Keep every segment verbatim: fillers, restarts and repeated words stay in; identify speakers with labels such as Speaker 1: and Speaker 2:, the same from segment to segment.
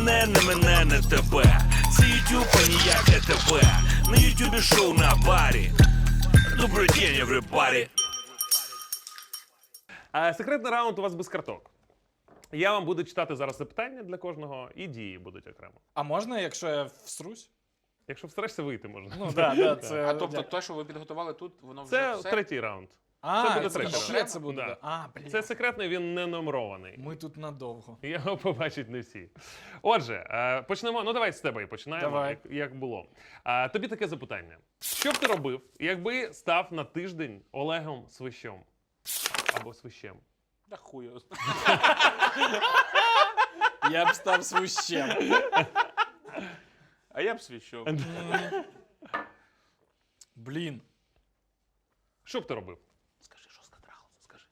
Speaker 1: мене, не мене, не тебе. Це ютуб, а ніяк не тебе. На ютубі шоу на барі. Добрий день, everybody.
Speaker 2: А, секретний раунд у вас без карток. Я вам буду читати зараз запитання для кожного, і дії будуть окремо.
Speaker 3: А можна, якщо я всрусь?
Speaker 2: Якщо встарешся, вийти можна.
Speaker 3: Ну, да, да, це...
Speaker 4: А тобто те, що ви підготували тут, воно вже
Speaker 2: Це
Speaker 4: все?
Speaker 2: третій раунд.
Speaker 3: А,
Speaker 2: це буде
Speaker 3: це
Speaker 2: третій
Speaker 3: ще
Speaker 2: раунд.
Speaker 3: це буде.
Speaker 2: Да.
Speaker 3: А, блін.
Speaker 2: Це секретний, він не номерований.
Speaker 3: Ми тут надовго.
Speaker 2: Його побачать не всі. Отже, е, почнемо. Ну давай з тебе і починаємо,
Speaker 3: Давай.
Speaker 2: Як, як було. А, тобі таке запитання. Що б ти робив, якби став на тиждень Олегом Свищом? Або Свищем?
Speaker 4: Да хуй його знає.
Speaker 3: Я б став свищем.
Speaker 4: А я б свіщов.
Speaker 3: Блін.
Speaker 2: Що б ти робив?
Speaker 4: Скажи, жорстко трахався, скажи.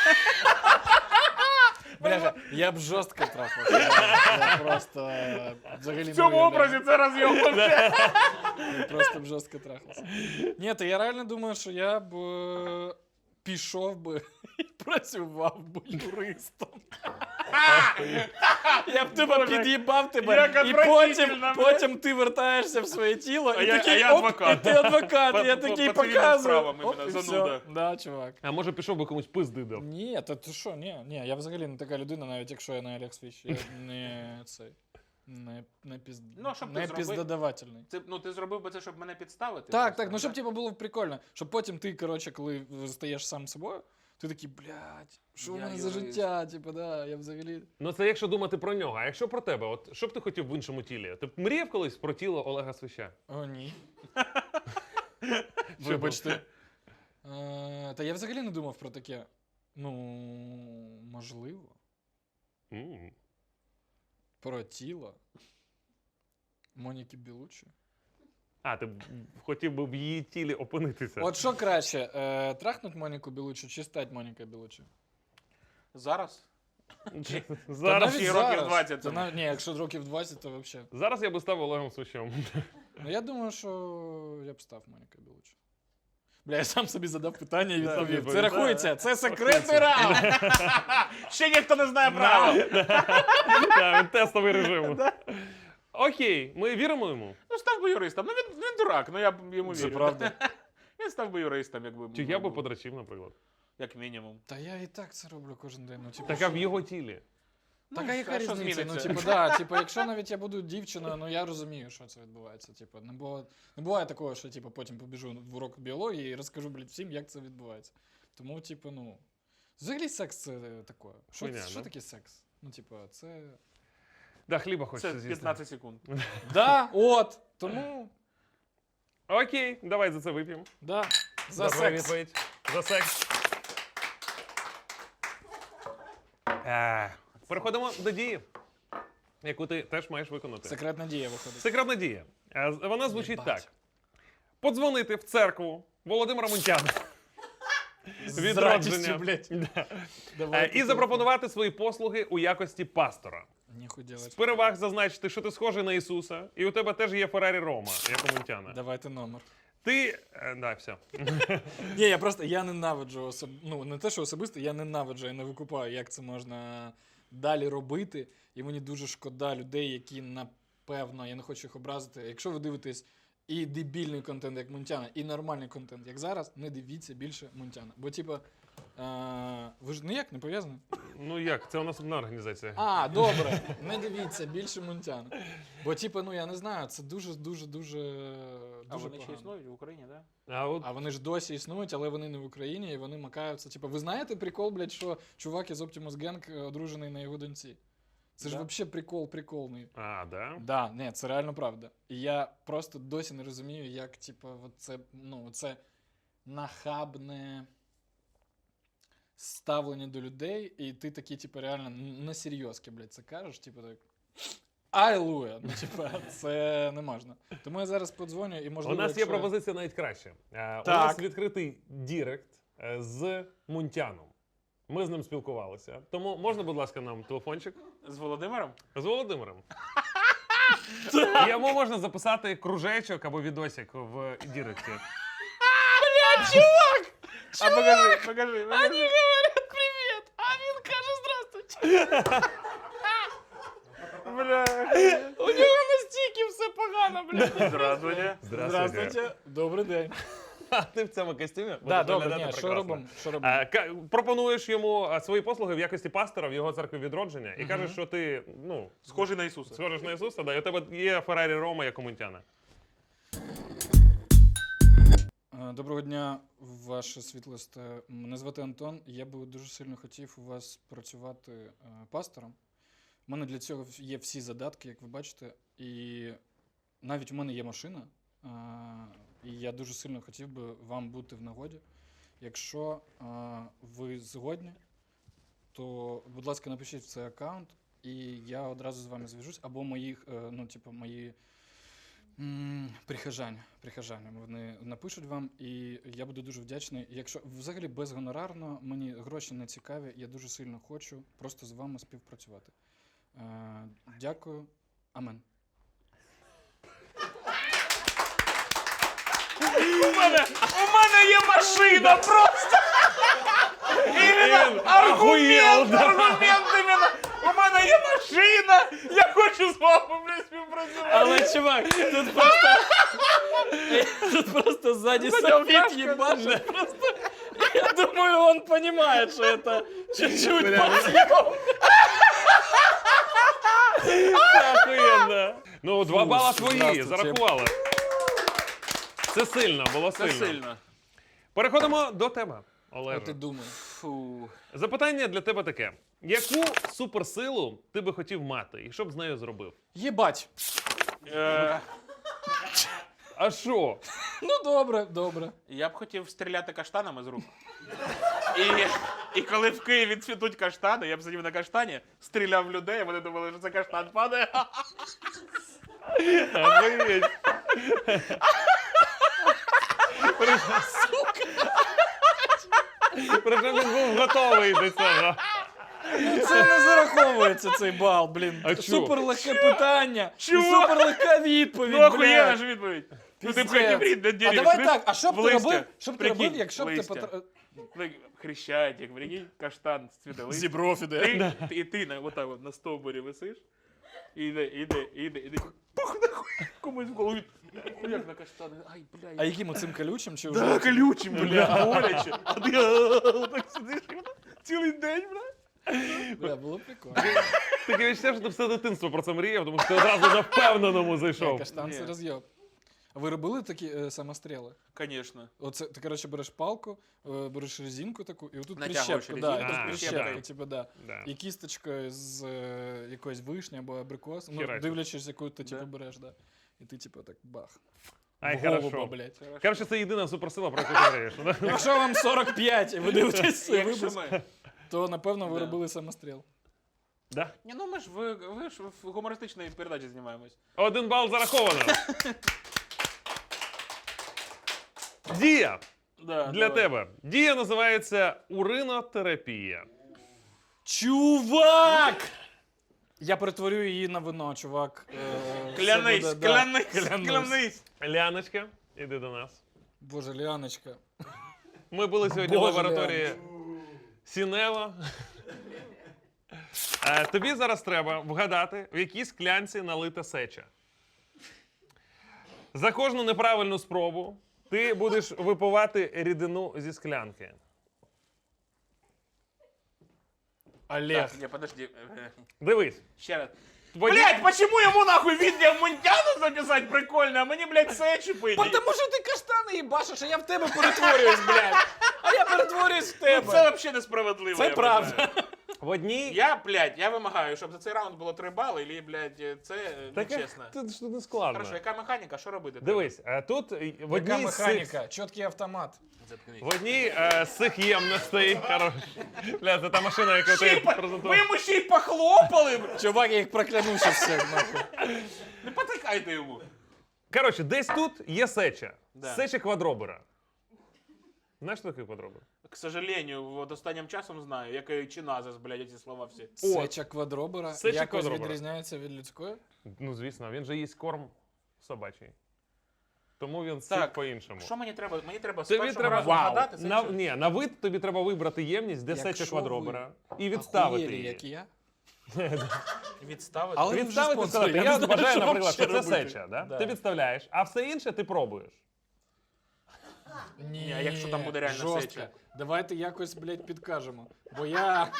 Speaker 3: Бляха, я б жорстко трахався. Я, я просто е, взагалі
Speaker 4: В цьому
Speaker 3: не уявляю.
Speaker 4: образі це роз'єбався.
Speaker 3: Я просто б жорстко трахався. Ні, то я реально думаю, що я б е, пішов би і працював би юристом. Я б тебе під'їбав тебе,
Speaker 4: як
Speaker 3: і потім,
Speaker 4: отвратительно,
Speaker 3: потім ти вертаєшся в своє тіло,
Speaker 4: А
Speaker 3: і
Speaker 4: я-
Speaker 3: такий,
Speaker 4: а я
Speaker 3: оп,
Speaker 4: адвокат.
Speaker 3: і ти адвокат,
Speaker 4: По-
Speaker 3: я
Speaker 4: по-
Speaker 3: такий
Speaker 4: по цивільним
Speaker 3: показую.
Speaker 4: справам
Speaker 3: Оп,
Speaker 4: іменно,
Speaker 3: і
Speaker 4: зануда.
Speaker 3: все. Да, чувак.
Speaker 2: А може пішов би комусь пизди дав?
Speaker 3: Ні, та ти що, ні, ні, я взагалі не така людина, навіть якщо я не Олег Свищ, я не цей, не, не, піз...
Speaker 4: Ну, щоб ти
Speaker 3: не
Speaker 4: зробив-
Speaker 3: піздодавательний.
Speaker 4: Це, ну, ти зробив би це, щоб мене підставити?
Speaker 3: Так,
Speaker 4: просто,
Speaker 3: так, ну щоб
Speaker 4: да?
Speaker 3: типу було прикольно, щоб потім ти, коротше, коли стаєш сам собою, ти такий, блядь, що в
Speaker 4: Я
Speaker 3: мене за
Speaker 4: юрист.
Speaker 3: життя, типу, да, я взагалі...
Speaker 2: Ну це якщо думати про нього. А якщо про тебе, от що б ти хотів в іншому тілі? Ти б мріяв колись про тіло Олега Свища?
Speaker 3: О, ні.
Speaker 2: Що
Speaker 3: Вибачте. Е, Та я взагалі не думав про таке. Ну, можливо.
Speaker 2: М.
Speaker 3: Про тіло. Моніки Білучі.
Speaker 2: А, ти б хотів би в її тілі опинитися.
Speaker 3: От що краще, е, трахнуть Моніку Білучі чи стать Монікою Білучі?
Speaker 4: Зараз?
Speaker 2: Зараз,
Speaker 4: навіть- років двадцять
Speaker 3: Та
Speaker 4: тому.
Speaker 3: нав- Ні, якщо років двадцять, то взагалі.
Speaker 2: зараз я би став Олегом Свищем.
Speaker 3: Ну я думаю, що я б став Монікою Білучі. Бля, я сам собі задав питання і відповів.
Speaker 2: відповідь,
Speaker 3: Це
Speaker 2: да.
Speaker 3: рахується, це секретний раунд.
Speaker 4: Ще ніхто не знає правил.
Speaker 2: Так, він тестовий режим. Окей, ми віримо йому.
Speaker 4: Ну, став би юристом. Ну, він, він дурак, ну я б йому вірю.
Speaker 3: Це правда.
Speaker 4: Він став би юристом, якби...
Speaker 2: Чи я би подрачив, наприклад.
Speaker 4: Як мінімум.
Speaker 3: Та я і так це роблю кожен день. Ну, типу,
Speaker 2: Так, а
Speaker 3: що?
Speaker 2: в його тілі.
Speaker 3: Так,
Speaker 4: Ну,
Speaker 3: а яка
Speaker 4: а що
Speaker 3: різниця? Ну,
Speaker 4: зміниться?
Speaker 3: типу, да, типу, якщо навіть я буду дівчиною, ну я розумію, що це відбувається. Типу, не, було, не буває такого, що типу, потім побіжу в урок біології і розкажу, блядь, всім, як це відбувається. Тому, типу, ну. Взагалі секс це таке. Що,
Speaker 2: Хуйня,
Speaker 3: що
Speaker 2: да?
Speaker 3: таке секс? Ну, типу, це.
Speaker 2: Да, хліба хочеться
Speaker 4: Це
Speaker 2: з'їсти.
Speaker 4: п'ятнадцять секунд.
Speaker 3: Да, от! Тому.
Speaker 2: Окей, давай за це вип'ємо.
Speaker 3: Да. За
Speaker 2: Добра
Speaker 3: секс.
Speaker 2: відповідь. За секс. Е, Переходимо до дії, яку ти теж маєш виконати.
Speaker 3: Секретна дія виходить.
Speaker 2: Секретна дія. Е, з- Вона звучить
Speaker 3: Єбать.
Speaker 2: так. Подзвонити в церкву Володимира Мунтяна.
Speaker 3: З радістю, блядь.
Speaker 2: Да.
Speaker 3: Давай,
Speaker 2: Е, І запропонувати свої послуги у якості пастора.
Speaker 3: Ніхуй
Speaker 2: З
Speaker 3: делать.
Speaker 2: переваг зазначити, що ти схожий на Ісуса, і у тебе теж є Феррарі Рома, як у Мунтяна.
Speaker 3: Давайте номер.
Speaker 2: Ти. е, Да, все.
Speaker 3: Ні, я просто я ненавиджу особ... ну не те, що особисто, я ненавиджу, я не викупаю, як це можна далі робити. І мені дуже шкода людей, які напевно, я не хочу їх образити. Якщо ви дивитесь і дебільний контент, як Мунтяна, і нормальний контент, як зараз, не дивіться більше Мунтяна. Бо, типа, е... ви ж ніяк не пов'язані?
Speaker 2: Ну як, це у нас одна організація.
Speaker 3: А, добре, не дивіться більше Мунтяна. Бо, типа, ну я не знаю, це дуже, дуже, дуже,
Speaker 4: А
Speaker 3: дуже
Speaker 4: вони ще
Speaker 3: погано.
Speaker 4: існують в Україні, так? Да?
Speaker 2: А от
Speaker 3: А вони ж досі існують, але вони не в Україні, і вони макаються. Типу, ви знаєте прикол, блядь, що чувак із Optimus Gang одружений на його доньці? Це ж
Speaker 4: Да.
Speaker 3: взагалі прикол приколний.
Speaker 2: А, да?
Speaker 3: Да, ні, це реально правда. І я просто досі не розумію, як, типу, от це, ну, це нахабне ставлення до людей, і ти такий, типу, реально на серйозки, блядь, це кажеш, типу, так. Алілуя! Ну, типа, це не можна. Тому я зараз подзвоню і можливо.
Speaker 2: У нас є
Speaker 3: якщо...
Speaker 2: пропозиція навіть краще. Е, У
Speaker 3: Так.
Speaker 2: нас відкритий дірект е, з Мунтяном. Ми з ним спілкувалися. Тому можна, будь ласка, нам телефончик
Speaker 4: З Володимиром?
Speaker 2: з Володимиром. Йому можна записати кружечок або відосик в діректі.
Speaker 4: А покажи, покажи, покажи.
Speaker 3: говорять привіт, а він каже здравствуйте.
Speaker 4: Бля. блядь. Здравствуйте.
Speaker 3: Здравствуйте, добрий день.
Speaker 2: А ти в цьому костюмі?
Speaker 3: Да,
Speaker 2: Будеш
Speaker 3: добре,
Speaker 2: виглядати
Speaker 3: ні, що
Speaker 2: прекрасно.
Speaker 3: робимо? Що робимо?
Speaker 2: Е, ка- Пропонуєш йому е, свої послуги в якості пастора в його церкві відродження і
Speaker 3: Мгм.
Speaker 2: кажеш, що ти, ну,
Speaker 4: Схожий на Ісуса.
Speaker 2: схожиш на Ісуса, да, і у тебе є Феррарі Рома як у Мунтяна.
Speaker 3: Е, Доброго дня, ваше світлосте. Мене звати Антон. Я би дуже сильно хотів у вас працювати е, пастором. У мене для цього є всі задатки, як ви бачите, і навіть у мене є машина. е, І я дуже сильно хотів би вам бути в нагоді. Якщо е, ви згодні, то, будь ласка, напишіть в цей аккаунт, і я одразу з вами зв'яжусь, або моїх, е, ну, типу, мої м, прихожани, прихожани. Вони напишуть вам, і я буду дуже вдячний. Якщо взагалі безгонорарно, мені гроші не цікаві, я дуже сильно хочу просто з вами співпрацювати. Е, дякую. Амен.
Speaker 4: У мене, у мене є машина просто! Іменно аргумент, аргумент іменно! У мене є машина! Я хочу з вами, блядь, співпрацювати!
Speaker 3: Але, чувак, тут просто... Тут просто сзади софит ебашит. Просто... Я думаю, он понимает, что это чуть-чуть подъем.
Speaker 2: Це охуєнно. Ну, два бала твої,
Speaker 3: здравствуйте.
Speaker 2: зарахували. Це сильно, було
Speaker 4: Це
Speaker 2: сильно.
Speaker 4: сильно.
Speaker 2: Переходимо до тебе, Олеже.
Speaker 3: Що ти думаєш?
Speaker 4: Фу.
Speaker 2: Запитання для тебе таке. Яку суперсилу ти би хотів мати і що б з нею зробив?
Speaker 3: Єбать.
Speaker 4: Е,
Speaker 2: А що?
Speaker 3: Ну, добре, добре.
Speaker 4: я б хотів стріляти каштанами з рук. І, і коли в Києві цвітуть каштани, я б сидів на каштані, стріляв в людей, а вони думали, що це каштан падає.
Speaker 2: Охуєть. Причому він був готовий до цього.
Speaker 3: Це не зараховується цей бал, блін.
Speaker 2: А чо?
Speaker 3: Суперлегке питання. І
Speaker 4: Чого?
Speaker 3: суперлегка відповідь,
Speaker 4: Ну охуєнна
Speaker 3: блядь.
Speaker 4: ж відповідь. Ну ти б
Speaker 3: Пиздец.
Speaker 4: хотів рід на
Speaker 3: А
Speaker 4: дереві.
Speaker 3: давай
Speaker 4: сидиш
Speaker 3: так, а що б
Speaker 4: в
Speaker 3: ти
Speaker 4: листя.
Speaker 3: робив, що б ти
Speaker 4: Прикинь,
Speaker 3: робив, якщо б ти
Speaker 4: листя.
Speaker 3: потр...
Speaker 4: Ну, Хрещатик, прикинь, каштан цвіте листя.
Speaker 3: Зібров іде.
Speaker 4: Ти, ти, і ти на, отак от, на стовбурі висиш, і йде, іде, іде, іде, пух, нахуй, комусь в голові. Як на каштани, ай, бля.
Speaker 3: А яким оцим колючим чи вже?
Speaker 4: Да, колючим, бля, боляче. А ти а, так сидиш і отак цілий день, бля.
Speaker 3: Бля, було прикольно.
Speaker 2: Таке відчуття, що ти все дитинство про це мріяв, тому що ти одразу на впевненому
Speaker 3: Ні,
Speaker 2: зайшов.
Speaker 3: каштан це
Speaker 4: Ні.
Speaker 3: роз'єб. А ви робили такі е, самостріли?
Speaker 4: Конечно.
Speaker 3: Оце ти, коротше, береш палку, е, береш резинку таку, і отут
Speaker 4: Натягуєш
Speaker 3: прищепку, да,
Speaker 4: резинку,
Speaker 3: і тут
Speaker 2: а,
Speaker 3: прищепка,
Speaker 2: да.
Speaker 3: типу, да.
Speaker 2: Да.
Speaker 3: І кісточкою з е, якоїсь вишні або абрикос, ну,
Speaker 2: Херачиш.
Speaker 3: дивлячись, яку ти, типу,
Speaker 4: Да.
Speaker 3: береш, да. І ти, типу, так бах.
Speaker 2: Ай,
Speaker 3: В голуба,
Speaker 2: хорошо.
Speaker 3: блядь.
Speaker 2: Коротше, це єдина суперсила, про яку ти мрієш. да?
Speaker 3: Якщо вам сорок п'ять і ви дивитесь цей
Speaker 4: Якщо
Speaker 3: випуск,
Speaker 4: ми...
Speaker 3: то, напевно, ви
Speaker 4: Да.
Speaker 3: робили самостріл.
Speaker 2: Да?
Speaker 4: Ні, ну ми ж, ви, ви ж в гумористичній передачі знімаємось.
Speaker 2: Один бал зараховано. Дія
Speaker 4: Да,
Speaker 2: для
Speaker 4: давай.
Speaker 2: тебе. Дія називається уринотерапія.
Speaker 3: Чувак! Я перетворю її на вино, чувак. Е, все
Speaker 4: Клянись,
Speaker 3: буде, да.
Speaker 4: клянись,
Speaker 3: Клянусь.
Speaker 4: клянись.
Speaker 2: Ляночка, іди до нас.
Speaker 3: Боже, Ліаночка.
Speaker 2: Ми були сьогодні в
Speaker 3: Боже,
Speaker 2: лабораторії Сінева. Е, Тобі зараз треба вгадати, в якій склянці налита сеча. За кожну неправильну спробу ти будеш випивати рідину зі склянки.
Speaker 3: Олег.
Speaker 4: Так, ні, подожди. е,
Speaker 2: Дивись.
Speaker 4: Ще раз.
Speaker 2: Твої-
Speaker 4: Блять, почему ему нахуй видео Мунтяну записать прикольно, а мені, блядь, сечі пить?
Speaker 3: Потому що ти каштани їбашиш, а я в тебе перетворююсь, блядь. А я перетворююсь в тебе.
Speaker 4: Це взагалі несправедливо.
Speaker 3: Це
Speaker 4: я
Speaker 3: правда.
Speaker 4: вважаю.
Speaker 2: В одній...
Speaker 4: Я, блядь, я вимагаю, щоб за цей раунд було три бали, і, блядь, це
Speaker 2: Таке-
Speaker 4: нечесно.
Speaker 2: Це ж не складно.
Speaker 4: Хорошо, яка механіка, що робити?
Speaker 2: Дивись, е, тут е, в
Speaker 3: Яка
Speaker 2: одній з цих,
Speaker 3: механіка? Чіткий автомат.
Speaker 4: Заткнись.
Speaker 2: в одній е, з цих ємностей, хорош. Бля, це та машина, яку
Speaker 4: Ще й
Speaker 2: ти
Speaker 4: по-
Speaker 2: презентував.
Speaker 4: Ви йому ще й похлопали, бля.
Speaker 3: Чувак, я їх прокляну ще всіх, нахуй.
Speaker 4: Не потикайте йому.
Speaker 2: Коротше, десь тут є сеча.
Speaker 4: Да.
Speaker 2: Сеча квадробера. Знаєш, що таке квадробер?
Speaker 4: К сожалению, от останнім часом знаю, як і чиназис, блядь, ці слова всі.
Speaker 3: Сеча квадробера
Speaker 2: Сеча
Speaker 3: якось
Speaker 2: квадробера.
Speaker 3: відрізняється від людської?
Speaker 2: Ну, звісно, він же їсть корм собачий. Тому він
Speaker 4: Так,
Speaker 2: сік по-іншому.
Speaker 4: Що мені треба? Мені треба з
Speaker 2: Тобі
Speaker 4: першого
Speaker 2: треба
Speaker 4: разу
Speaker 3: Вау.
Speaker 4: вгадати це.
Speaker 2: на,
Speaker 4: чи-
Speaker 2: ні, на вид тобі треба вибрати ємність, де
Speaker 3: Якщо
Speaker 2: сеча
Speaker 3: ви
Speaker 2: квадробера, і відставити
Speaker 3: Ахуєлі,
Speaker 2: її.
Speaker 3: як і я.
Speaker 4: Відставити.
Speaker 3: Але ви вже
Speaker 2: Відставити
Speaker 3: спонсори,
Speaker 2: сказати,
Speaker 3: я
Speaker 2: я,
Speaker 3: не знаю,
Speaker 2: вважаю,
Speaker 3: що
Speaker 2: наприклад, що
Speaker 3: вообще
Speaker 2: це
Speaker 3: робити.
Speaker 2: сеча, да?
Speaker 3: Да.
Speaker 2: Ти відставляєш, а все інше ти пробуєш.
Speaker 3: Ні,
Speaker 4: а якщо там буде реально
Speaker 3: жорстко.
Speaker 4: сеча?
Speaker 3: Давайте якось, блядь, підкажемо. Бо я...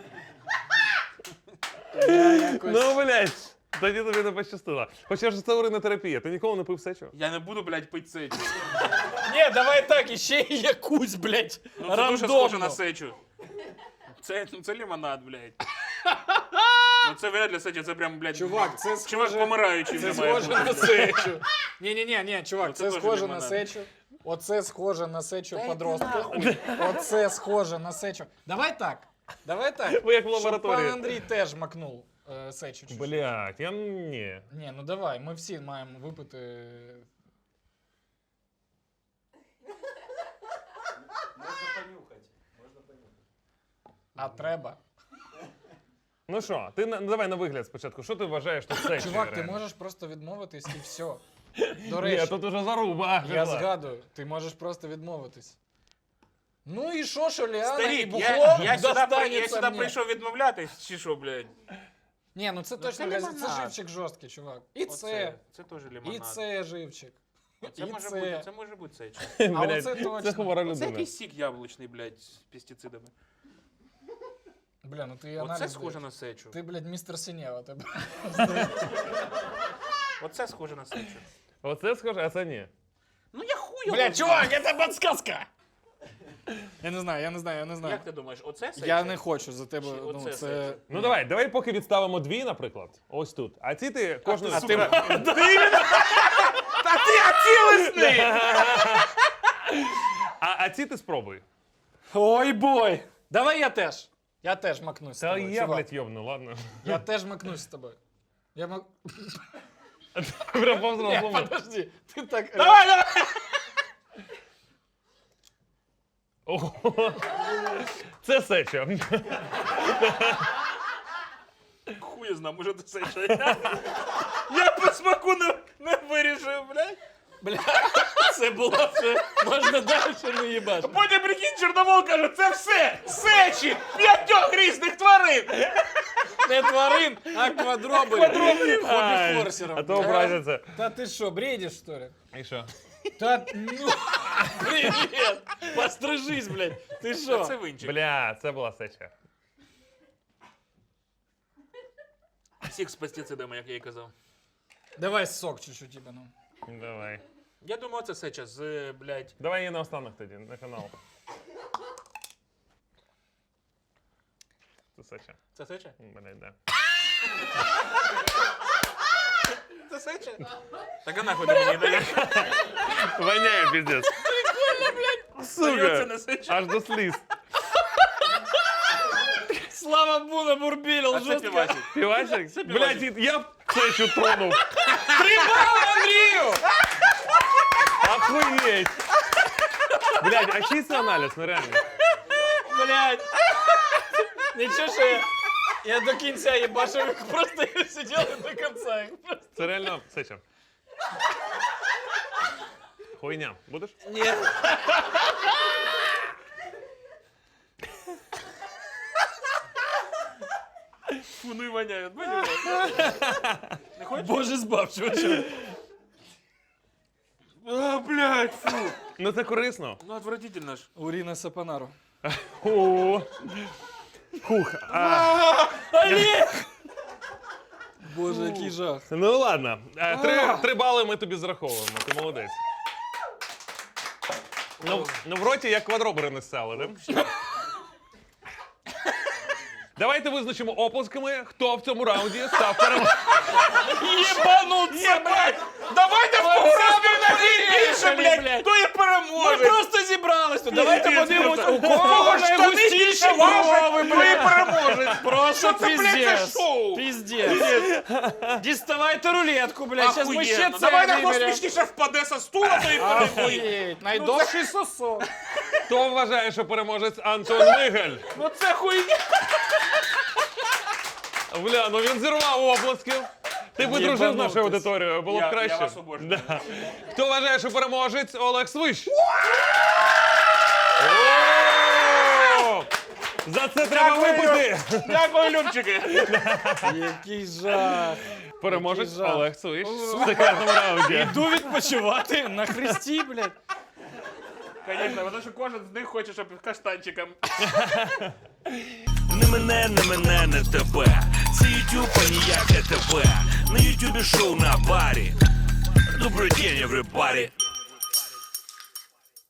Speaker 3: я якось...
Speaker 2: Ну, блядь, тоді тобі не пощастило. Хоча ж це уринотерапія, ти ніколи не пив сечу?
Speaker 4: Я не буду, блядь, пити сечу.
Speaker 3: Ні, давай так, іще якусь, блядь,
Speaker 4: Ну це дуже
Speaker 3: рандомно.
Speaker 4: схоже на сечу. Це, ну, це лимонад, блядь. Ну це вряд ли сеча, це прям, блядь,
Speaker 3: Чувак, це
Speaker 4: чувак
Speaker 3: схоже...
Speaker 4: помираючий
Speaker 3: Це
Speaker 4: вже має
Speaker 3: схоже
Speaker 4: бути.
Speaker 3: на сечу. Ні-ні-ні, ні, чувак,
Speaker 4: Ну, це
Speaker 3: це
Speaker 4: теж
Speaker 3: схоже на
Speaker 4: лимонад.
Speaker 3: сечу. Оце схоже на сечу
Speaker 4: Та йди
Speaker 3: подростка.
Speaker 4: нахуй.
Speaker 3: Оце схоже на сечу. Давай так. Давай так.
Speaker 2: Ви як в
Speaker 3: Щоб
Speaker 2: лабораторії.
Speaker 3: пан Андрій теж макнув е, сечу. чуть-чуть.
Speaker 2: Блядь, я ні.
Speaker 3: Ні, ну давай, ми всі маємо випити. А треба.
Speaker 2: Ну що, ти на- ну, давай на вигляд спочатку. Що ти вважаєш тут сечею?
Speaker 3: Чувак, ти
Speaker 2: реально?
Speaker 3: можеш просто відмовитись і все. До
Speaker 2: Ні,
Speaker 3: речі,
Speaker 2: тут уже заруба.
Speaker 3: я
Speaker 2: пішла.
Speaker 3: згадую, ти можеш просто відмовитись. Ну і що, що Ліана і
Speaker 4: Старік,
Speaker 3: бухло
Speaker 4: я, я, сюди, при- я
Speaker 3: достанеться
Speaker 4: сюди
Speaker 3: мені.
Speaker 4: прийшов відмовлятись, чи що, блядь?
Speaker 3: Ні, ну це
Speaker 4: Ну,
Speaker 3: точно
Speaker 4: це
Speaker 3: газет, це
Speaker 4: лимонад.
Speaker 3: живчик жорсткий, чувак. І
Speaker 4: Оце,
Speaker 3: це,
Speaker 4: це теж
Speaker 3: і
Speaker 4: лимонад.
Speaker 3: це живчик.
Speaker 4: Це
Speaker 3: і
Speaker 4: може
Speaker 3: це.
Speaker 4: бути, це може бути сеча.
Speaker 3: А
Speaker 2: Блядь,
Speaker 3: оце точно.
Speaker 2: Це хвора
Speaker 4: Це
Speaker 2: людина.
Speaker 4: якийсь сік яблучний, блядь, з пестицидами.
Speaker 3: Бля, ну ти
Speaker 4: Оце
Speaker 3: аналіз
Speaker 4: схоже
Speaker 3: даєш.
Speaker 4: на сечу.
Speaker 3: Ти, блядь, містер Синєва. Ти...
Speaker 4: Оце схоже на сечу.
Speaker 2: Оце схоже, а це ні.
Speaker 4: Ну я хуй його
Speaker 3: Бля,
Speaker 4: знаю.
Speaker 3: чувак, це подсказка! Я не знаю, я не знаю, я не знаю.
Speaker 4: Як ти думаєш, оце сеча?
Speaker 3: Я не хочу за тебе,
Speaker 4: Чи
Speaker 3: ну
Speaker 4: оце
Speaker 3: це...
Speaker 4: сеча?
Speaker 2: Ну давай, давай поки відставимо дві, наприклад. Ось тут. А ці ти кожну.
Speaker 4: А ти... Та ти оцілесний!
Speaker 2: А, а ці ти спробуй.
Speaker 3: Ой, бой! Давай я теж. Я теж макнусь з
Speaker 2: Та
Speaker 3: тобою,
Speaker 2: я,
Speaker 3: чувак.
Speaker 2: блядь, йобну, ладно.
Speaker 3: Я теж макнусь з тобою. Я мак...
Speaker 2: Прям повз
Speaker 3: Ні,
Speaker 2: розуму.
Speaker 3: подожди, ти так...
Speaker 4: Давай, давай!
Speaker 2: Ого. Це сеча.
Speaker 4: Хуй знаю, може це сеча. Я по смаку не, не вирішив, блядь.
Speaker 3: Бля, це було вже... Можна далі не їбаш.
Speaker 4: Потім, прикинь, Чорновол каже, це все сечі п'ятьох різних тварин.
Speaker 3: Не тварин, а квадроберів.
Speaker 4: Квадроберів.
Speaker 3: Хобі-форсером.
Speaker 2: А то образяться.
Speaker 3: Та ти що, бредиш, что ли?
Speaker 2: І що?
Speaker 3: Та ну... Привет! Пострижись, блядь. Ти
Speaker 4: Це
Speaker 3: що?
Speaker 4: винчик.
Speaker 2: Бля, це була сеча.
Speaker 4: Сік з пестицидами, як я і казав.
Speaker 3: Давай сок чуть-чуть тебе, ну.
Speaker 2: Давай.
Speaker 4: Я думаю, це сеча з, блядь.
Speaker 2: Давай її наостанок тоді, на канал. Це сеча.
Speaker 4: Це сеча?
Speaker 2: Блядь, да.
Speaker 4: Це сеча? Так а нахуй ти мені даєш?
Speaker 2: Воняє, пиздец. Прикольно, блядь.
Speaker 4: Це
Speaker 2: Сука.
Speaker 4: не сеча.
Speaker 2: Аж до сліз.
Speaker 3: Слава Буна бурбілил,
Speaker 4: А це півасик.
Speaker 2: Півасик?
Speaker 4: Це
Speaker 2: Блядь,
Speaker 4: півасик.
Speaker 2: я б сечу тронув.
Speaker 3: Андрію!
Speaker 2: Охуєть. Блядь, а чий це аналіз, ну реально?
Speaker 3: Блядь. Нічого, що я... Я до кінця їбашив їх, просто я сиділи до кінця. їх просто.
Speaker 2: Це реально сеча. Хуйня. Будеш?
Speaker 3: Ні.
Speaker 4: Фу, ну і воняє. Бачиш? Не хочеш?
Speaker 3: Боже збав, чувачок.
Speaker 4: А, блядь, фу.
Speaker 2: Ну це корисно.
Speaker 4: Ну, отвратительно ж.
Speaker 3: Уріна Сапонару.
Speaker 2: О. Хух. А,
Speaker 3: Олег! Боже, який жах.
Speaker 2: ну ладно. А, Три, три бали ми тобі зраховуємо. Ти молодець. Ну, ну в роті як квадробери не ссали, да? Давайте визначимо оплесками, хто в цьому раунді став переможцем.
Speaker 3: Єбануться,
Speaker 4: Блядь, давайте в кого розмір більше, блядь,
Speaker 3: блядь.
Speaker 4: хто і
Speaker 3: Ми
Speaker 4: переможе.
Speaker 3: просто зібрались тут. Давайте
Speaker 4: Пиздец,
Speaker 3: подивимось,
Speaker 4: просто.
Speaker 3: у кого найгустіші брови,
Speaker 4: хто і
Speaker 3: блядь.
Speaker 4: переможе.
Speaker 3: Просто
Speaker 4: це, блядь, за
Speaker 3: пиздец.
Speaker 4: шоу?
Speaker 3: Пиздец. Діставайте рулетку, блядь. Сейчас ми ще
Speaker 4: Охуєнно.
Speaker 3: це
Speaker 4: Давай на хто
Speaker 3: виберемо.
Speaker 4: смішніше впаде со стула, то і переможе.
Speaker 3: Охуєть. Найдовший сосок.
Speaker 2: Хто вважає, що переможець Антон Мигель?
Speaker 4: Ну це хуйня.
Speaker 2: Бля, ну він зірвав оплески. Ти б дружив з нашою
Speaker 3: Єбанутись.
Speaker 2: аудиторією, було б
Speaker 4: Я- я
Speaker 2: краще.
Speaker 4: вас обожнюю.
Speaker 2: Да. Хто вважає, що переможець Олег Свищ? О! За це треба випити!
Speaker 4: Дякую, Любчики.
Speaker 3: Який жах.
Speaker 2: Переможець
Speaker 3: Який жах.
Speaker 2: Олег Свищ в секретному раунді.
Speaker 3: Іду відпочивати на хресті, блядь.
Speaker 4: Звісно, тому що кожен з них хоче, щоб каштанчиком.
Speaker 1: Не мене, не мене, не тебе. Це ютуб, а ніяке тебе. На ютубі шоу на барі. Добрий день, everybody.